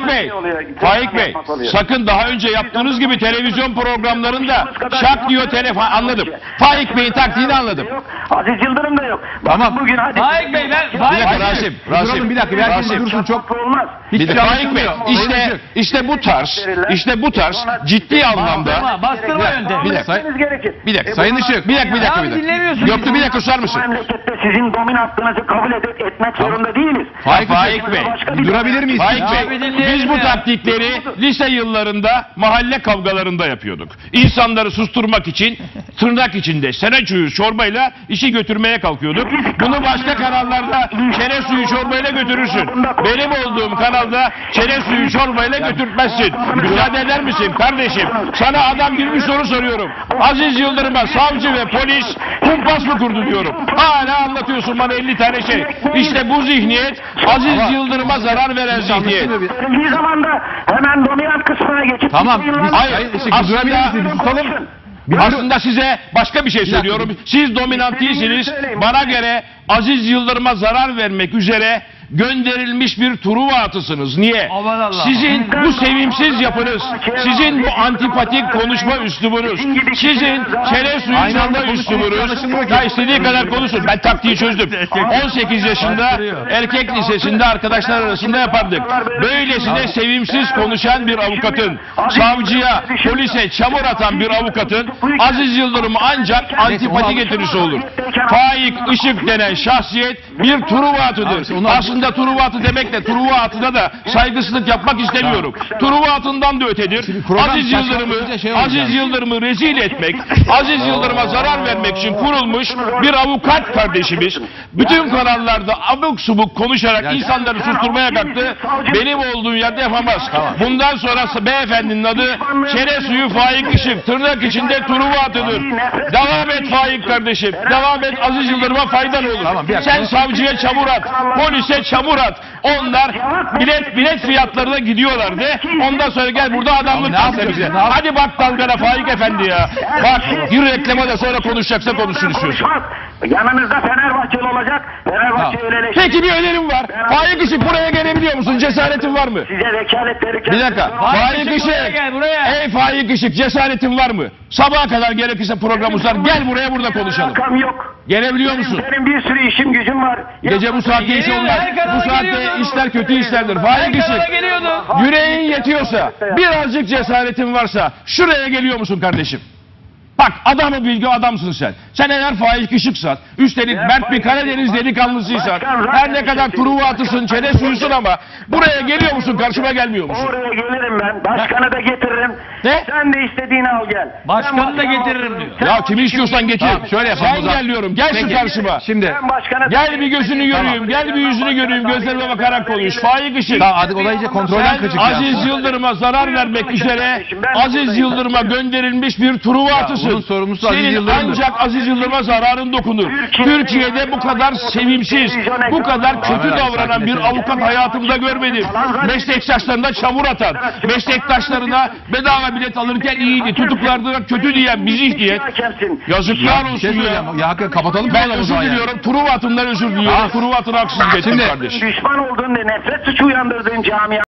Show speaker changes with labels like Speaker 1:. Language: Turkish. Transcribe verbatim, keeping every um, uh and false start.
Speaker 1: Faik Bey, Faik Bey, sakın daha önce yaptığınız gibi televizyon programlarında şak diyor telefon, anladım. Faik Bey'in taktiğini anladım.
Speaker 2: Aziz Yıldırım da yok.
Speaker 1: Tamam.
Speaker 2: Bugün hadi.
Speaker 3: Faik Bey ben
Speaker 1: Bir
Speaker 3: Faik
Speaker 1: dakika Rasim, Rasim.
Speaker 4: Bir dakika, herkes dursun çok.
Speaker 2: Olmaz.
Speaker 1: Bir dakika Faik Bey, işte işte bu tarz, işte bu tarz ciddi anlamda.
Speaker 3: Bastırma, bastırma yöntemi.
Speaker 1: Bir dakika.
Speaker 2: Gerekir.
Speaker 1: Bir dakika.
Speaker 2: E,
Speaker 1: Sayın
Speaker 2: bunlar-
Speaker 1: Işık, bir dakika, bir dakika, bir
Speaker 3: Ya
Speaker 1: dakika.
Speaker 3: dinlemiyorsunuz.
Speaker 1: Yoktu, bir dakika susar mısın?
Speaker 2: Bu memlekette sizin dominantlığınızı kabul edip etmek zorunda değiliz.
Speaker 1: Faik, Faik Bey,
Speaker 2: Başka bir-
Speaker 4: durabilir miyiz?
Speaker 1: Faik
Speaker 3: Ya
Speaker 1: Bey,
Speaker 3: bir dinleyelim
Speaker 1: biz bu
Speaker 3: ya.
Speaker 1: taktikleri lise yıllarında mahalle kavgalarında yapıyorduk. İnsanları susturmak için tırnak içinde sene suyu çorbayla işi götürmeye kalkıyorduk. Bunu başka kanallarda çene suyu çorbayla götürürsün. Benim olduğum kanalda çene suyu çorbayla götürtmezsin. Müsaade eder misin kardeşim? Sana adam gibi bir soru soruyorum. Aziz Yıldırım'a savcı ve polis kumpas mı kurdu diyorum. Hala anlatıyorsun bana elli tane şey. İşte bu zihniyet Aziz Yıldırım'a zarar veren zihniyet.
Speaker 2: Verildiği zaman da hemen dominant kısmına geçip...
Speaker 4: Tamam, biz-
Speaker 1: Hayır,
Speaker 4: Sayın Işık,
Speaker 1: aslında,
Speaker 4: durabilir misiniz? Tutalım.
Speaker 1: aslında size başka bir şey söylüyorum. Siz dominant değilsiniz. Bana göre Aziz Yıldırım'a zarar vermek üzere gönderilmiş bir Truva atısınız. Niye?
Speaker 3: Aman Allah.
Speaker 1: Sizin bu sevimsiz yapınız, sizin bu antipatik konuşma üslubunuz, sizin çene suyu
Speaker 4: Aynı anda
Speaker 1: çalma
Speaker 4: konuşmayı
Speaker 1: üslubunuz,
Speaker 4: anlaşılmıyor ki.
Speaker 1: ya istediği kadar konuşun. Ben taktiği çözdüm. on sekiz yaşında erkek lisesinde arkadaşlar arasında yapardık. Böylesine sevimsiz konuşan bir avukatın, savcıya, polise çamur atan bir avukatın Aziz Yıldırım ancak antipati getirisi olur. Faik Işık denen şahsiyet bir Truva atıdır. Aslında Truva atı demekle Truva atına da saygısızlık yapmak istemiyorum. Truva atından da ötedir. Aziz Yıldırım'ı Aziz Yıldırım'ı rezil etmek, Aziz Yıldırım'a zarar vermek için kurulmuş bir avukat kardeşimiz bütün kanallarda abuk subuk konuşarak insanları susturmaya kalktı. Benim olduğum yerde yapamaz. Bundan sonra beyefendinin adı çene suyu Faik Işık. Tırnak içinde Truva atıdır. Devam et Faik kardeşim. Devam et, Aziz Yıldırım'a faydan olur. Sen savcıya çamur at, polise çamur at. Onlar bilet bilet fiyatlarına gidiyorlar de. Ondan sonra gel burada adamlık yapsa bize. Hadi bak dalgana Faik Efendi ya. Bak bir reklama da sonra konuşacaksa konuşsun istiyorsun.
Speaker 2: Yanınızda Fenerbahçeli olacak. Fenerbahçe öyle.
Speaker 1: Peki bir önerim var. Faik Işık buraya gelebiliyor musun? Cesaretin var mı?
Speaker 2: Size vekalet verirken...
Speaker 1: Bir dakika. Faik
Speaker 3: Işık buraya
Speaker 1: Işık.
Speaker 3: gel, buraya.
Speaker 1: Ey Faik Işık, cesaretin var mı? Sabaha kadar gerekirse program uzar. Gel buraya burada konuşalım.
Speaker 2: Alakam yok.
Speaker 1: Gelebiliyor musun?
Speaker 2: Benim bir sürü işim gücüm var.
Speaker 1: Gece bu saatte iş
Speaker 3: Geliyor,
Speaker 1: olmaz.
Speaker 3: her kanala
Speaker 1: Bu saatte
Speaker 3: geliyordu.
Speaker 1: işler kötü işlerdir. Faik
Speaker 3: Her kanala
Speaker 1: Işık.
Speaker 3: geliyordu.
Speaker 1: Yüreğin yetiyorsa, birazcık cesaretin varsa şuraya geliyor musun kardeşim? Bak adamı bilgi adamsın sen. Sen eğer Faik Işıksan, üstelik Mert bir Karadeniz delikanlısıysan, her ne kadar Truva atısın, çene suyusun ama buraya geliyor musun, karşıma gelmiyor musun?
Speaker 2: Oraya gelirim ben. Başkanı da getiririm.
Speaker 1: Ne?
Speaker 2: Sen de istediğini al gel.
Speaker 3: Başkanı da
Speaker 2: Ben
Speaker 3: getiririm
Speaker 2: başkan
Speaker 3: diyor.
Speaker 2: Sen
Speaker 1: Ya kimi istiyorsan getir.
Speaker 4: Tamam, şöyle yapalım o
Speaker 1: Sen
Speaker 4: zaman.
Speaker 1: gel diyorum, gel şu karşıma.
Speaker 4: Şimdi
Speaker 2: Ben başkanı...
Speaker 1: Gel bir gözünü göreyim, gel bir yüzünü göreyim, gözlerime bakarak konuş. Faik Işık.
Speaker 4: tamam, hadi olay iyice kontrolden
Speaker 1: Sen
Speaker 4: kaçık ya.
Speaker 1: Aziz Yıldırım'a zarar vermek üzere Aziz Yıldırım'a gönderilmiş bir Truva atısın.
Speaker 4: bunun sorumlusu Aziz
Speaker 1: Senin
Speaker 4: Yıldırım'dır.
Speaker 1: ancak Aziz Yıldırım'a zararın dokunur. Türkiye'de bu kadar sevimsiz, bu kadar kötü davranan bir avukat hayatımda görmedim. Meslektaşlarına çamur atan, meslektaşlarına bedava bilet alırken iyiydi, tutuklarına kötü diyen bir zihniyet. Yazıklar
Speaker 4: Bir şey
Speaker 1: olsun ya.
Speaker 4: söyleyeceğim. Ya hakikaten kapatalım.
Speaker 1: Ben
Speaker 4: programı o
Speaker 1: özür
Speaker 4: zaman yani.
Speaker 1: diliyorum, Truva atından özür diliyorum. Truva atına haksızlık ettim
Speaker 4: Şimdi-
Speaker 1: kardeşim.
Speaker 2: Düşman olduğun ve nefret suçu uyandırdığın camia